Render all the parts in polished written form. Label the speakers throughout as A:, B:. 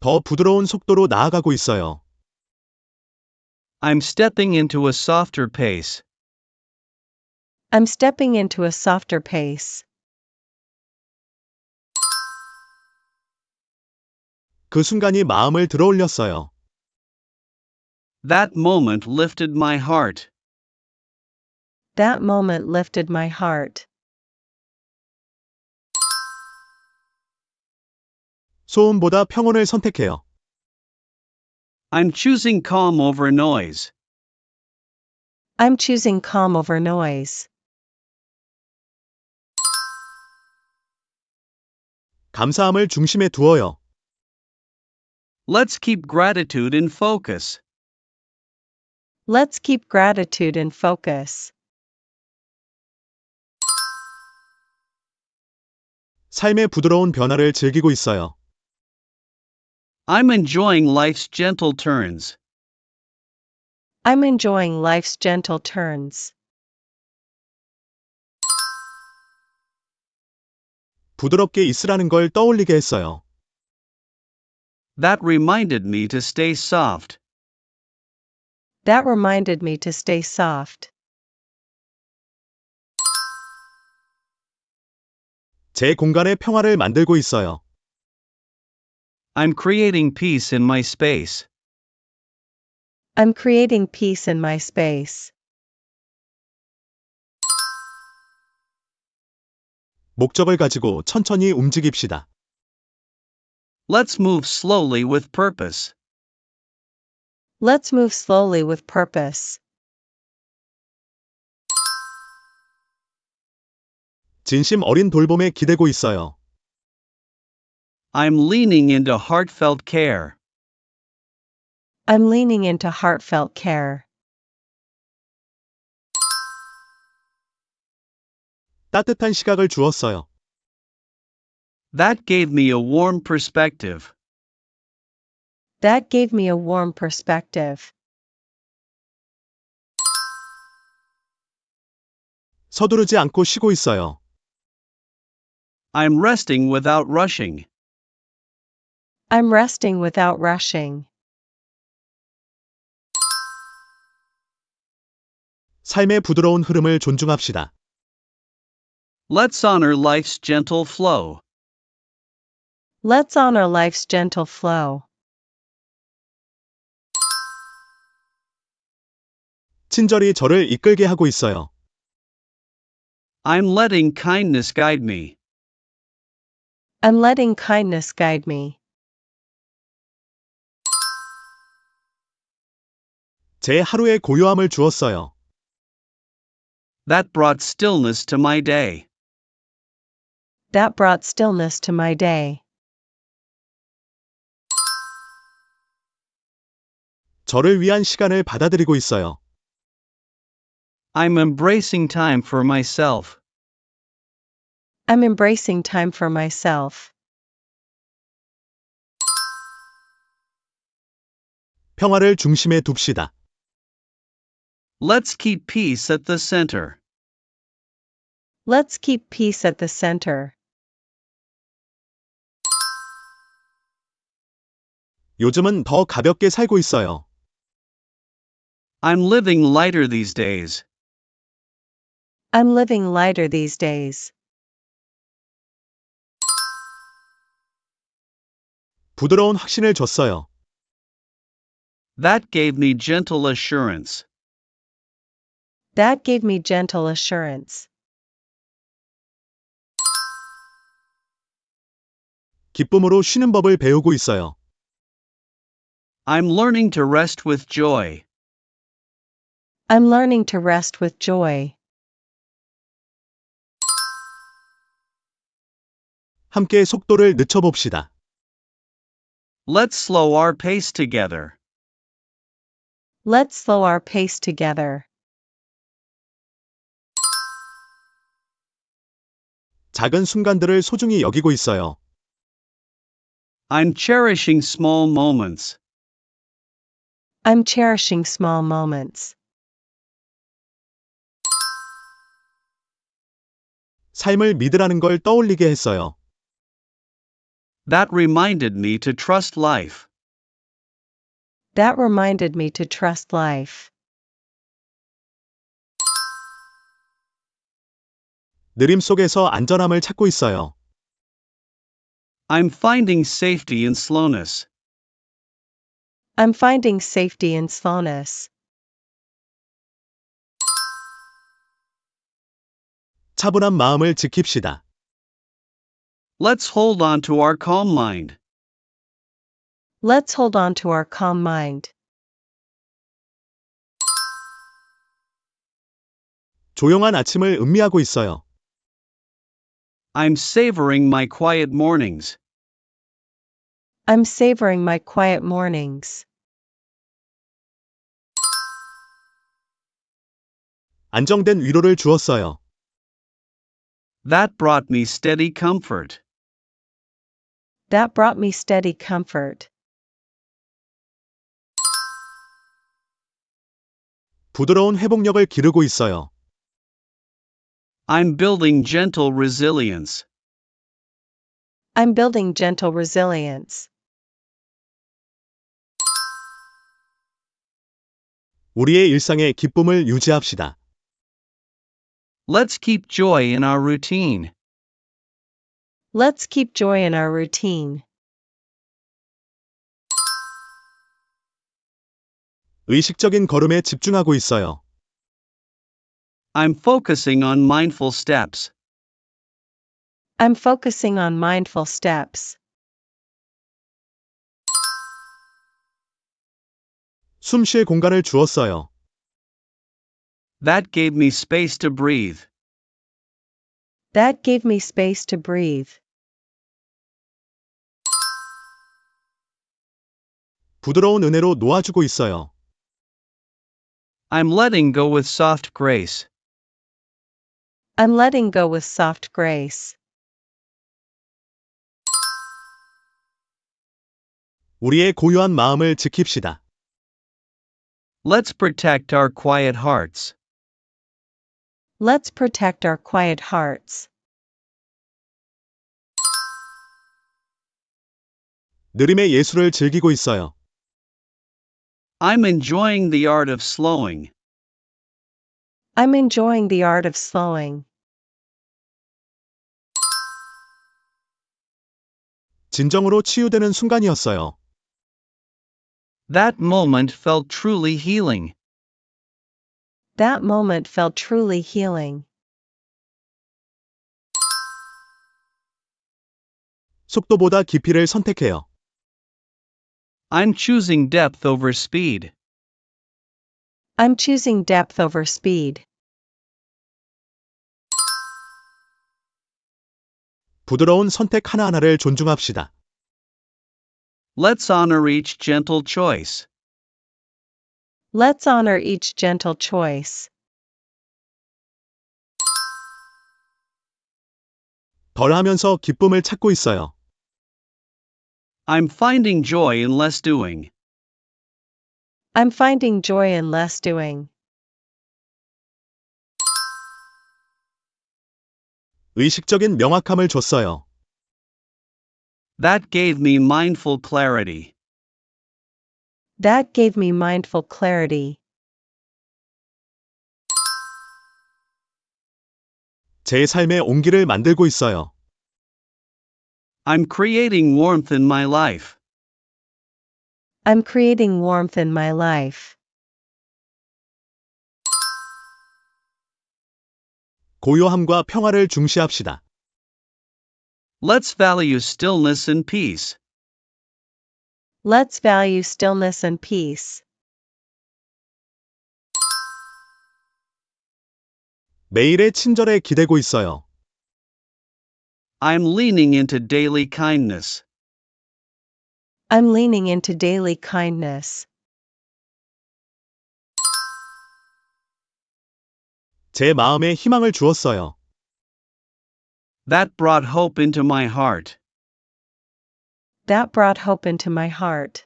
A: 더 부드러운 속도로 나아가고 있어요.
B: I'm stepping into a softer pace.
C: I'm stepping into a softer pace.
A: 그 순간이 마음을 들어올렸어요.
B: That moment lifted my heart.
C: That moment lifted my heart.
A: 소음보다 평온을 선택해요.
B: I'm choosing calm over noise.
C: I'm choosing calm over noise.
A: 감사함을 중심에 두어요.
B: Let's keep gratitude in focus.
C: Let's keep gratitude in focus.
A: 삶의 부드러운 변화를 즐기고 있어요.
B: I'm enjoying life's gentle turns.
C: I'm enjoying life's gentle turns.
A: 부드럽게 있으라는 걸 떠올리게 했어요.
B: That reminded me to stay soft.
C: That reminded me to stay soft.
A: 제 공간의 평화를 만들고 있어요.
B: I'm creating peace in my space.
C: I'm creating peace in my space.
A: 목적을 가지고 천천히 움직입시다.
B: Let's move slowly with purpose.
C: Let's move slowly with purpose.
A: 진심 어린 돌봄에 기대고 있어요.
B: I'm leaning into heartfelt care.
C: I'm leaning into heartfelt care.
A: 따뜻한 시각을 주었어요.
B: That gave me a warm perspective.
C: That gave me a warm perspective.
A: 서두르지 않고 쉬고 있어요.
B: I'm resting without rushing.
C: I'm resting without rushing.
A: 삶의 부드러운 흐름을 존중합시다.
B: Let's honor life's gentle flow.
C: Let's honor life's gentle flow.
A: 친절히 저를 이끌게 하고 있어요.
B: I'm letting kindness guide me.
C: I'm letting kindness guide me.
A: 제 하루에 고요함을 주었어요.
B: That brought stillness to my day.
C: That brought stillness to my day.
A: 저를 위한 시간을 받아들이고 있어요.
B: I'm embracing time for myself.
C: I'm embracing time for myself.
A: 평화를 중심에 둡시다.
B: Let's keep peace at the center.
C: Let's keep peace at the center.
A: 요즘은 더 가볍게 살고 있어요.
B: I'm living lighter these days.
C: I'm living lighter these days.
A: 부드러운 확신을 줬어요.
B: That gave me gentle assurance.
C: That gave me gentle assurance.
A: 기쁨으로 쉬는 법을 배우고 있어요.
B: I'm learning to rest with joy.
C: I'm learning to rest with joy.
A: 함께 속도를 늦춰봅시다.
B: Let's slow our pace together.
C: Let's slow our pace together.
A: 작은 순간들을 소중히 여기고 있어요.
B: I'm cherishing small moments.
C: I'm cherishing small moments.
A: 삶을 믿으라는 걸 떠올리게 했어요.
B: That reminded me to trust life.
C: That reminded me to trust life.
A: 느림 속에서 안전함을 찾고 있어요.
B: I'm finding safety in slowness.
C: I'm finding safety in slowness.
A: 차분한 마음을 지킵시다.
B: Let's hold on to our calm mind.
C: Let's hold on to our calm mind.
A: 조용한 아침을 음미하고 있어요.
B: I'm savoring my quiet mornings.
C: I'm savoring my quiet mornings.
A: 안정된 위로를 주었어요.
B: That brought me steady comfort.
C: That brought me steady comfort.
A: 부드러운 회복력을 기르고 있어요.
B: I'm building gentle resilience.
C: I'm building gentle resilience.
A: 우리의 일상에 기쁨을 유지합시다.
B: Let's keep joy in our routine.
C: Let's keep joy in our routine.
A: 의식적인 걸음에 집중하고 있어요.
B: I'm focusing on mindful steps.
C: I'm focusing on mindful steps.
A: 숨 쉴 공간을 주었어요.
B: That gave me space to breathe.
C: That gave me space to breathe.
A: 부드러운 은혜로 놓아주고 있어요.
B: I'm letting go with soft grace.
C: I'm letting go with soft grace.
A: 우리의 고요한 마음을 지킵시다.
B: Let's protect our quiet hearts.
C: Let's protect our quiet hearts.
A: 느림의 예술을 즐기고 있어요.
B: I'm enjoying the art of slowing.
C: I'm enjoying the art of slowing.
A: 진정으로 치유되는 순간이었어요.
B: That moment felt truly healing.
C: That moment felt truly healing.
A: 속도보다 깊이를 선택해요.
B: I'm choosing depth over speed.
C: I'm choosing depth over speed.
A: 부드러운 선택 하나하나를 존중합시다.
B: Let's honor each gentle choice.
C: Let's honor each gentle choice.
A: 덜 하면서 기쁨을 찾고 있어요.
B: I'm finding joy in less doing.
C: I'm finding joy in less doing.
A: 의식적인 명확함을 줬어요.
B: That gave me mindful clarity.
C: That gave me mindful clarity.
A: 제 삶의 온기를 만들고 있어요.
B: I'm creating warmth in my life.
C: I'm creating warmth in my life.
A: 고요함과 평화를 중시합시다.
B: Let's value stillness and peace.
C: Let's value stillness and peace.
A: 매일의 친절에 기대고 있어요.
B: I'm leaning into daily kindness.
C: I'm leaning into daily kindness.
A: 제 마음에 희망을 주었어요.
B: That brought hope into my heart.
C: That brought hope into my heart.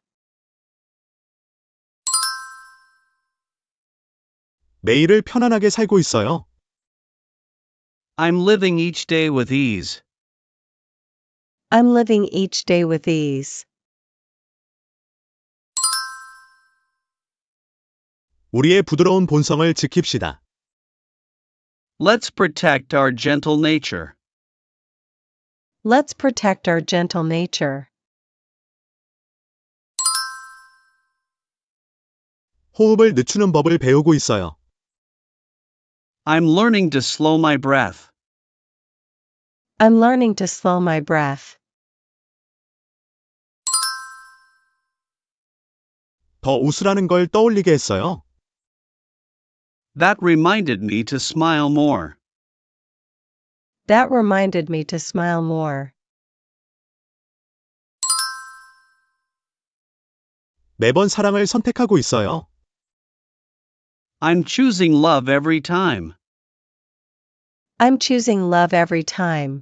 A: 매일을 편안하게 살고 있어요.
B: I'm living each day with ease.
C: I'm living each day with ease.
A: 우리의 부드러운 본성을 지킵시다.
B: Let's protect our gentle nature.
C: Let's protect our gentle nature.
A: 호흡을 늦추는 법을 배우고 있어요.
B: I'm learning to slow my breath.
C: I'm learning to slow my breath.
A: 더 웃으라는 걸 떠올리게 했어요.
B: That reminded me to smile more.
C: That reminded me to smile more.
A: 매번 사랑을 선택하고 있어요.
B: I'm choosing love every time.
C: I'm choosing love every time.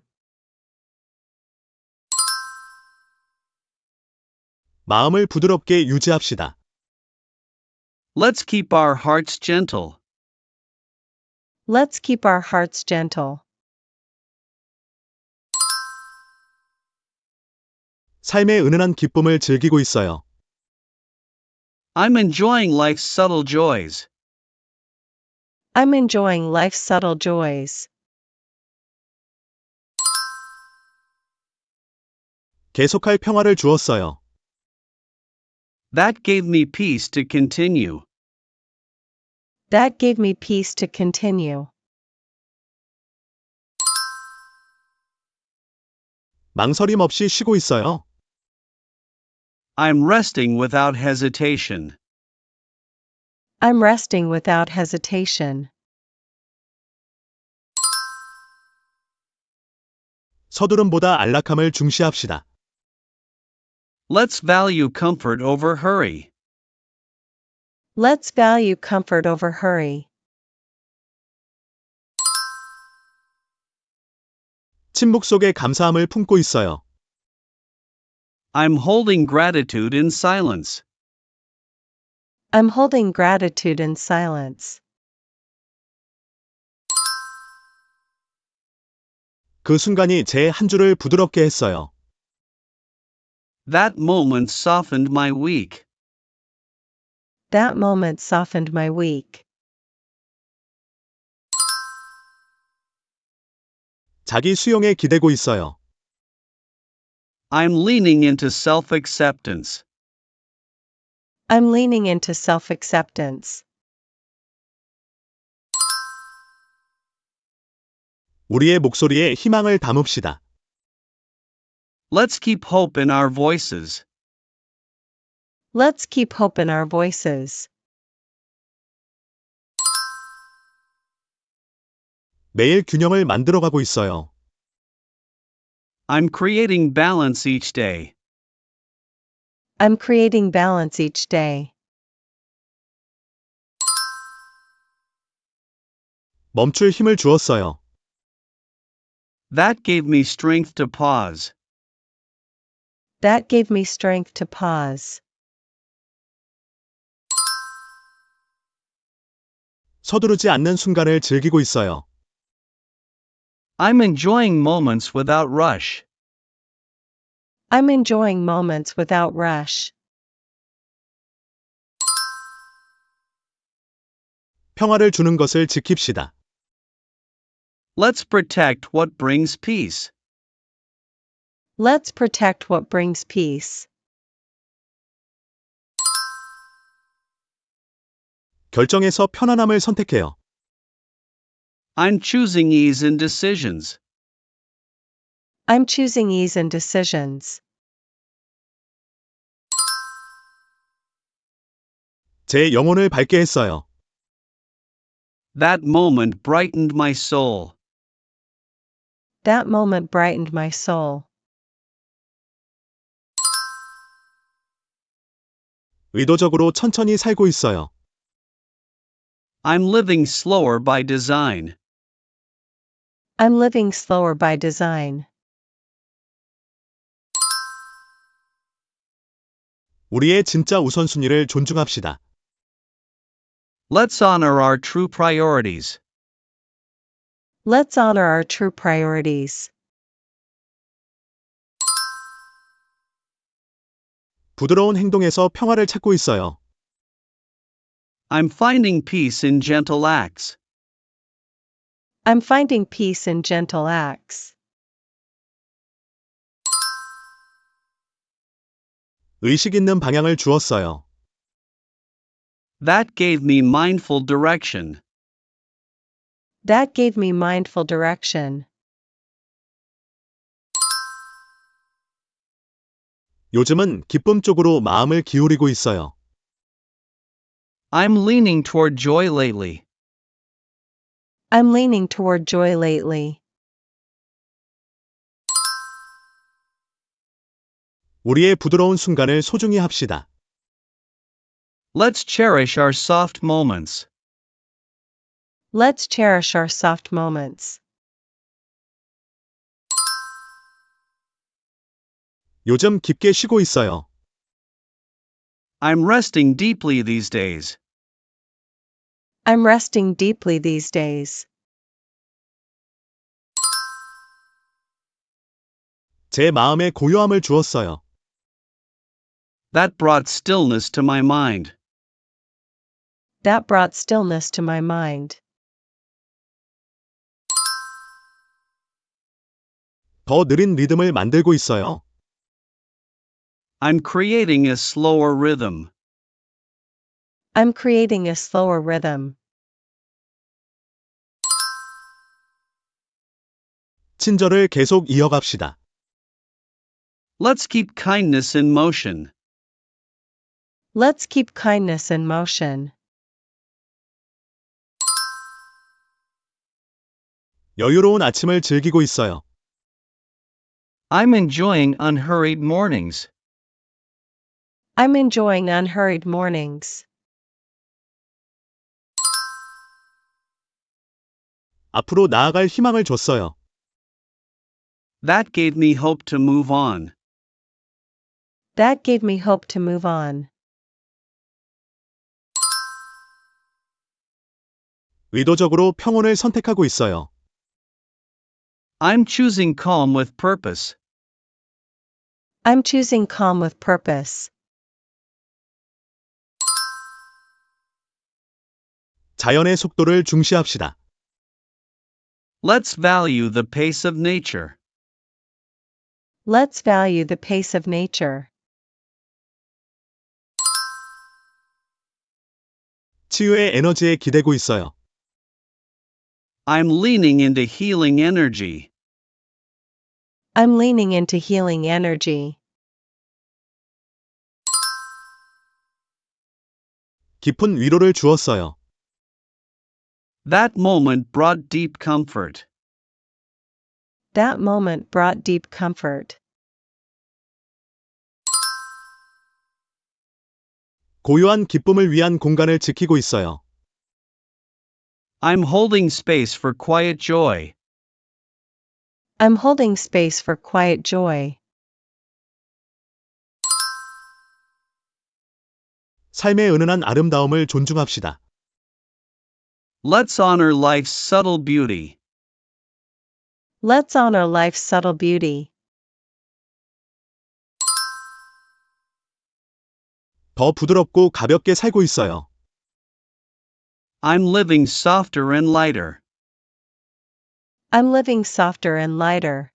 A: 마음을 부드럽게 유지합시다.
B: Let's keep our hearts gentle.
C: Let's keep our hearts gentle.
A: 삶의 은은한 기쁨을 즐기고 있어요.
B: I'm enjoying life's subtle joys.
C: I'm enjoying life's subtle joys.
A: 계속할 평화를 주었어요.
B: That gave me peace to continue.
C: That gave me peace to continue.
A: 망설임 없이 쉬고 있어요.
B: I'm resting without hesitation.
C: I'm resting without hesitation.
A: 서두름보다 안락함을 중시합시다.
B: Let's value comfort over hurry.
C: Let's value comfort over hurry.
A: 침묵 속에 감사함을 품고 있어요.
B: I'm holding gratitude in silence.
C: I'm holding gratitude in silence.
A: 그 순간이 제 한 주를 부드럽게 했어요.
B: That moment softened my week.
C: That moment softened my week.
A: 자기 수용에 기대고 있어요.
B: I'm leaning into self-acceptance.
C: I'm leaning into self-acceptance.
A: 우리의 목소리에 희망을 담읍시다.
B: Let's keep hope in our voices.
C: Let's keep hope in our voices.
A: 매일 균형을 만들어가고 있어요.
B: I'm creating balance each day.
C: I'm creating balance each day.
A: 멈출 힘을 주었어요.
B: That gave me strength to pause.
C: That gave me strength to pause.
A: 서두르지 않는 순간을 즐기고 있어요.
B: I'm enjoying moments without rush.
C: I'm enjoying moments without rush.
A: 평화를 주는 것을 지킵시다.
B: Let's protect what brings peace.
C: Let's protect what brings peace.
A: 결정에서 편안함을 선택해요.
B: I'm choosing ease in decisions.
C: I'm choosing ease in decisions.
A: 제 영혼을 밝게 했어요.
B: That moment brightened my soul.
C: That moment brightened my soul.
A: 의도적으로 천천히 살고 있어요.
B: I'm living slower by design.
C: I'm living slower by design.
A: 우리의 진짜 우선순위를 존중합시다.
B: Let's honor our true priorities.
C: Let's honor our true priorities.
A: 부드러운 행동에서 평화를 찾고 있어요.
B: I'm finding peace in gentle acts.
C: I'm finding peace in gentle acts.
A: 의식 있는 방향을 주었어요.
B: That gave me mindful direction.
C: That gave me mindful direction.
A: 요즘은 기쁨 쪽으로 마음을 기울이고 있어요.
B: I'm leaning toward joy lately.
C: I'm leaning toward joy lately.
A: 우리의 부드러운 순간을 소중히 합시다.
B: Let's cherish our soft moments.
C: Let's cherish our soft moments.
A: 요즘 깊게 쉬고 있어요.
B: I'm resting deeply these days.
C: I'm resting deeply these days.
A: 제 마음에 고요함을 주었어요.
B: That brought stillness to my mind.
C: That brought stillness to my mind.
A: 더 느린 리듬을 만들고 있어요.
B: I'm creating a slower rhythm.
C: I'm creating a slower rhythm.
A: 친절을 계속 이어갑시다.
B: Let's keep kindness in motion.
C: Let's keep kindness in motion.
A: 여유로운 아침을 즐기고 있어요.
B: I'm enjoying unhurried mornings.
C: I'm enjoying unhurried mornings.
A: 앞으로 나아갈 희망을 줬어요.
B: That gave me hope to move on.
C: That gave me hope to move on.
A: 의도적으로 평온을 선택하고 있어요.
B: I'm choosing calm with purpose.
C: I'm choosing calm with purpose.
A: 자연의 속도를 중시합시다.
B: Let's value the pace of nature.
C: Let's value the pace of nature.
A: 치유의 에너지에 기대고 있어요.
B: I'm leaning into healing energy.
C: I'm leaning into healing energy.
A: 깊은 위로를 주었어요.
B: That moment brought deep comfort.
C: That moment brought deep comfort.
A: 고요한 기쁨을 위한 공간을 지키고 있어요.
B: I'm holding space for quiet joy.
C: I'm holding space for quiet joy.
A: 삶의 은은한 아름다움을 존중합시다.
B: Let's honor life's subtle beauty.
C: Let's honor life's subtle beauty.
A: 더 부드럽고 가볍게 살고 있어요.
B: I'm living softer and lighter.
C: I'm living softer and lighter.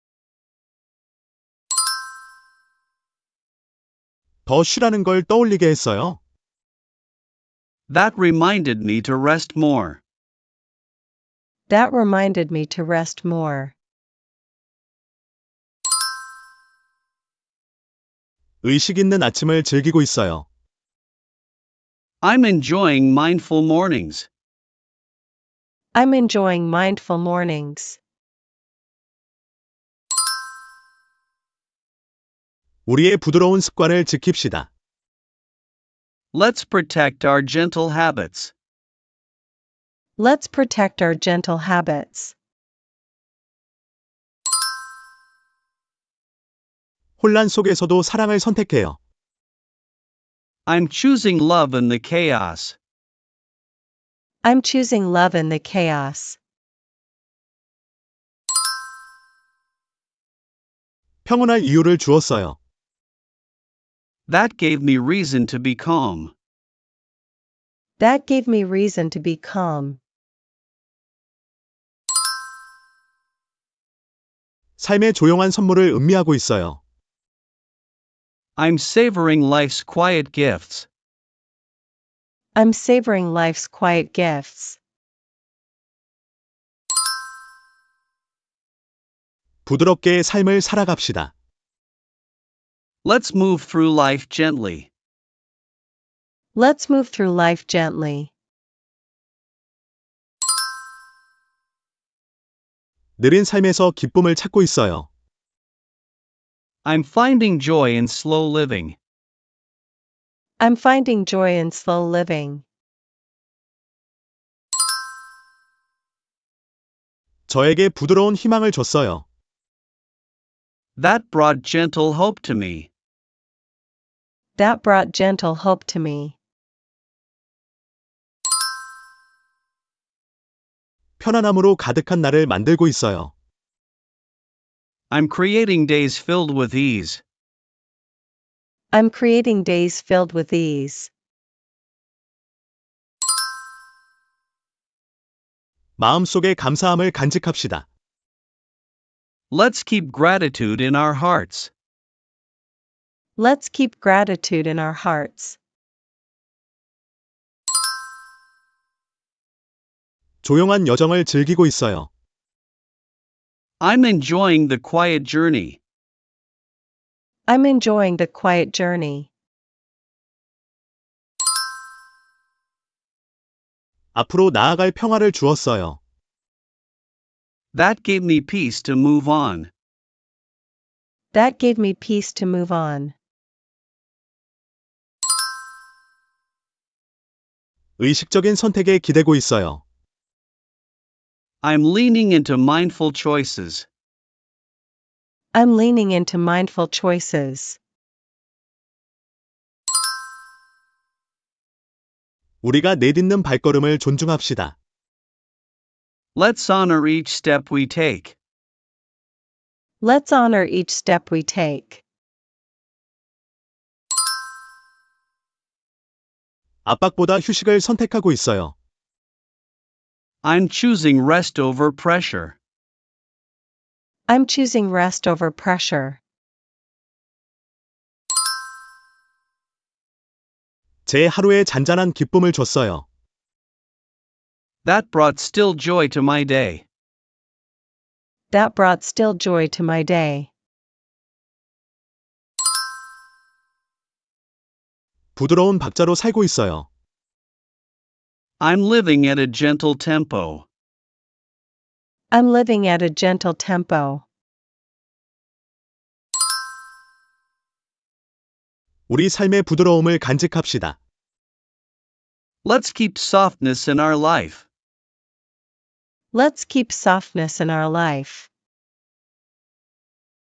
A: 더 쉬라는 걸 떠올리게 했어요.
B: That reminded me to rest more.
C: That reminded me to rest more.
A: 의식 있는 아침을 즐기고 있어요.
B: I'm enjoying mindful mornings.
C: I'm enjoying mindful mornings.
A: 우리의 부드러운 습관을 지킵시다.
B: Let's protect our gentle habits.
C: Let's protect our gentle habits.
A: 혼란 속에서도 사랑을 선택해요.
B: I'm choosing love in the chaos.
C: I'm choosing love in the chaos.
A: 평온할 이유를 주었어요.
B: That gave me reason to be calm.
C: That gave me reason to be calm.
A: 삶의 조용한 선물을 음미하고 있어요.
B: I'm savoring life's quiet gifts.
C: I'm savoring life's quiet gifts.
A: 부드럽게 삶을 살아갑시다.
B: Let's move through life gently.
C: Let's move through life gently.
A: 느린 삶에서 기쁨을 찾고 있어요.
B: I'm finding joy in slow living.
C: I'm finding joy in slow living.
A: 저에게 부드러운 희망을 줬어요.
B: That brought gentle hope to me.
C: That brought gentle hope to me.
A: 편안함으로 가득한 날을 만들고 있어요.
B: I'm creating days filled with ease.
C: I'm creating days filled with ease.
A: 마음속에 감사함을 간직합시다.
B: Let's keep gratitude in our hearts.
C: Let's keep gratitude in our hearts.
A: 조용한 여정을 즐기고 있어요.
B: I'm enjoying the quiet journey.
C: I'm enjoying the quiet journey.
A: 앞으로 나아갈 평화를 주었어요.
B: That gave me peace to move on.
C: That gave me peace to move on.
A: 의식적인 선택에 기대고 있어요.
B: I'm leaning into mindful choices.
C: I'm leaning into mindful choices.
A: 우리가 내딛는 발걸음을 존중합시다.
B: Let's honor each step we take.
C: Let's honor each step we take.
A: 압박보다 휴식을 선택하고 있어요.
B: I'm choosing rest over pressure.
C: I'm choosing rest over pressure.
A: 제 하루에 잔잔한 기쁨을 줬어요.
B: That brought still joy to my day.
C: That brought still joy to my day.
A: 부드러운 박자로 살고 있어요.
B: I'm living at a gentle tempo.
C: I'm living at a gentle tempo.
A: 우리 삶의 부드러움을 간직합시다.
B: Let's keep softness in our life.
C: Let's keep softness in our life.